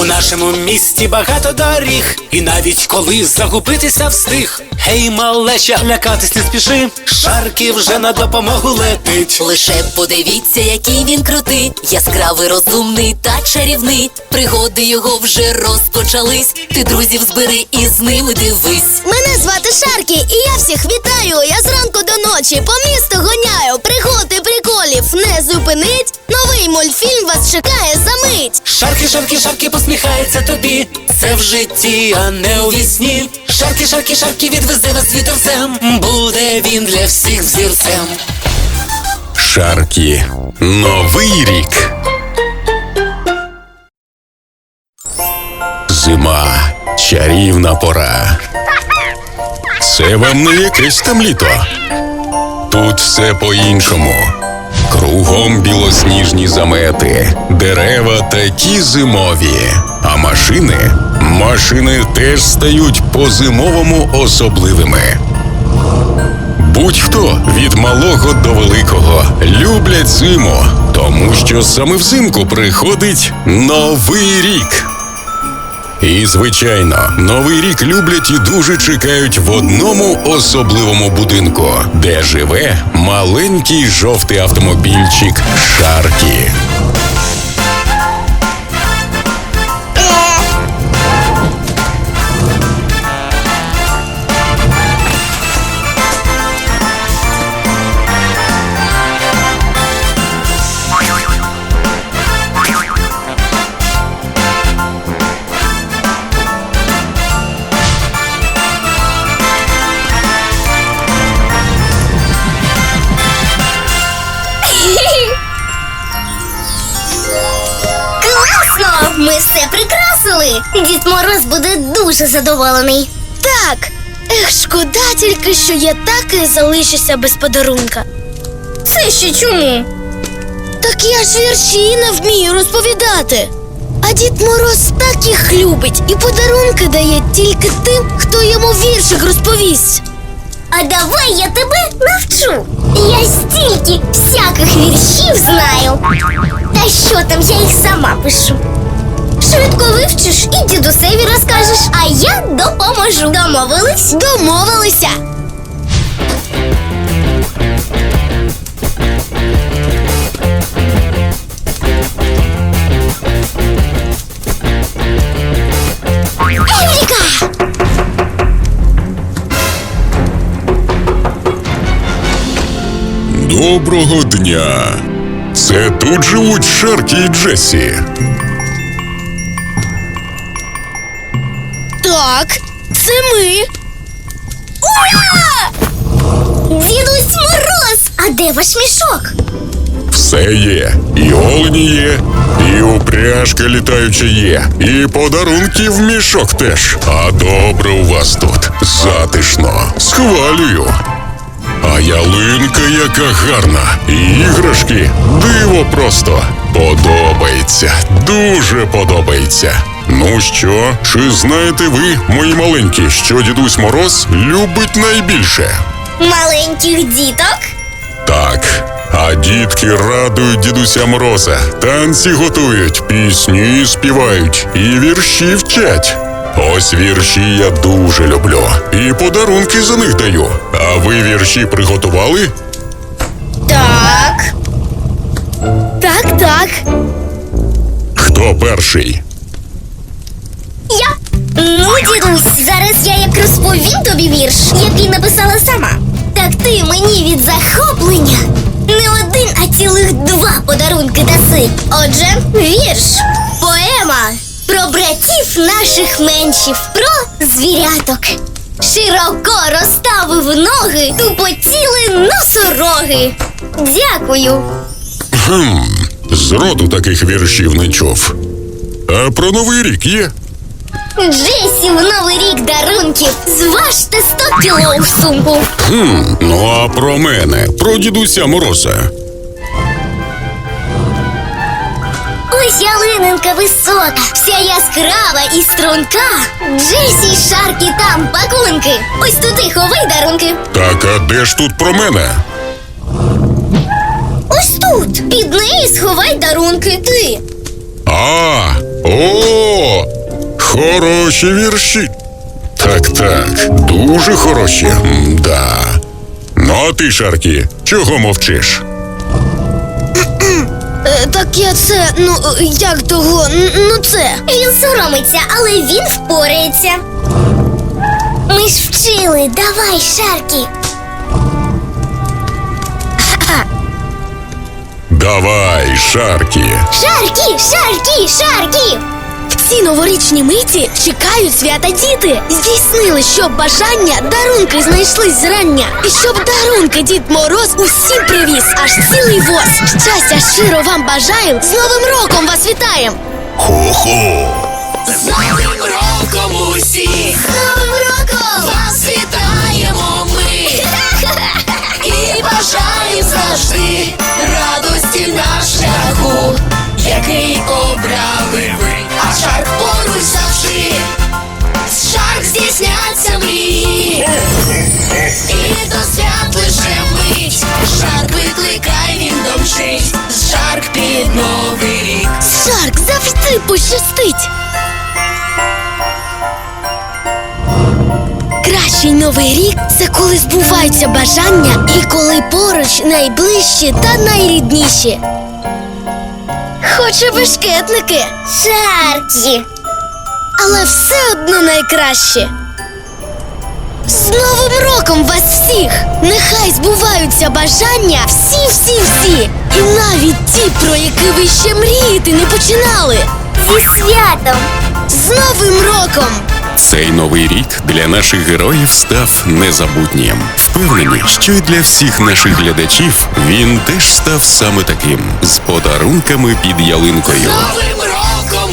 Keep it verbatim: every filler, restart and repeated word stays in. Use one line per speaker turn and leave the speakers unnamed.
У нашому місті багато доріг, і навіть коли загубитися встиг. Гей, малеча, лякатись не спіши, Шаркі вже на допомогу летить.
Лише подивіться, який він крутий, яскравий, розумний та чарівний. Пригоди його вже розпочались, ти друзів збери і з ними дивись.
Мене звати Шаркі, і я всіх вітаю. Я зранку до ночі по місту гоняю. Пригод і приколів не зупинить. Новий мультфільм вас чекає за мить.
Шаркі, Шаркі, Шаркі посміхається тобі. Це в житті, а не у вісні. Шаркі, Шаркі, Шаркі відвезе вас вітерцем. Буде він для всіх взірцем.
Шаркі. Новий рік. Зима. Чарівна пора. Це вам не якесь там літо. Тут все по-іншому. Кругом білосніжні замети, дерева такі зимові. А машини, машини теж стають по-зимовому особливими. Будь-хто від малого до великого люблять зиму, тому що саме взимку приходить Новий рік. І, звичайно, Новий рік люблять і дуже чекають в одному особливому будинку, де живе маленький жовтий автомобільчик Шаркі.
Класно! Ми все прикрасили. Дід Мороз буде дуже задоволений. Так, ех, шкода тільки, що я так і залишуся без подарунка. Це ще чому? Так я ж вірші не вмію розповідати. А Дід Мороз так їх любить і подарунки дає тільки тим, хто йому віршик розповість. А давай я тебе навчу. Я стільки всяких віршів знаю. Та що там, я їх сама пишу. Швидко вивчиш і дідусеві розкажеш, а я допоможу. Домовились? Домовилися. Еврика!
Доброго дня! Це тут живуть Шаркі і Джесі.
Так, це ми. Ура! Дідусь Мороз! А де ваш мішок?
Все є. І олені є, і упряжка літаюча є, і подарунки в мішок теж. А добре у вас тут. Затишно. Схвалюю. А ялинка яка гарна. І іграшки. Диво просто. Подобається. Дуже подобається. Ну що, чи знаєте ви, мої маленькі, що Дідусь Мороз любить найбільше?
Маленьких діток?
Так. А дітки радують Дідуся Мороза, танці готують, пісні співають і вірші вчать. Ось вірші я дуже люблю. І подарунки за них даю. А ви вірші приготували?
Так. Так, так.
Хто перший?
Я. Ну, дідусь, зараз я як розповім тобі вірш, який написала сама. Так ти мені від захоплення не один, а цілих два подарунки даси. Отже, вірш, поема про братів наших меншів, про звіряток. Широко розставив ноги, тупотіли носороги. Дякую.
Хм, зроду таких віршів не чув. А про Новий рік є?
Джесі в Новий рік дарунків. Зважте сто кіло в сумку.
Хм, ну а про мене, про Дідуся Мороза.
Ось ялининка висока, вся яскрава і струнка. Джесі й Шаркі там пакунки. Ось туди ховай дарунки.
Так, а де ж тут про мене?
Ось тут. Під неї сховай дарунки. Ти.
А, О, хороші вірші. Так, так, дуже хороші. М-да. Ну, а ти, Шаркі, чого мовчиш?
Е, так я це, ну, е, як того, н- ну це. Він соромиться, але він впорається. Ми ж вчили, давай, Шаркі.
Давай, Шаркі.
Шаркі, Шаркі, Шаркі! В ці новорічні миті чекають свята діти. Здійснили, щоб бажання дарунки знайшлись зрання. І щоб дарунки Дід Мороз усім привіз, аж цілий воз. Щастя щиро вам бажаєм, з Новим роком вас вітаєм!
Хо-хо.
З Новим роком усіх!
З Новим роком!
Вас вітаємо ми! І бажаємо завжди радості на шляху, який обрали ви, а Шарк поруч завжди. З Шарк здійсняться мрії, і до свят лише мить. Шарк викликай, він домчить, з Шарк під новий рік.
Шарк завжди пощастить! Кращий новий рік це коли збуваються бажання і коли поруч найближчі та найрідніші. Хоче бешкетники, Шаркі, але все одно найкраще. З Новим роком вас всіх! Нехай збуваються бажання всі-всі-всі! І навіть ті, про які ви ще мріяти не починали! Зі святом! З Новим роком!
Цей новий рік для наших героїв став незабутнім. Впевнені, що і для всіх наших глядачів він теж став саме таким, з подарунками під ялинкою.
Новим роком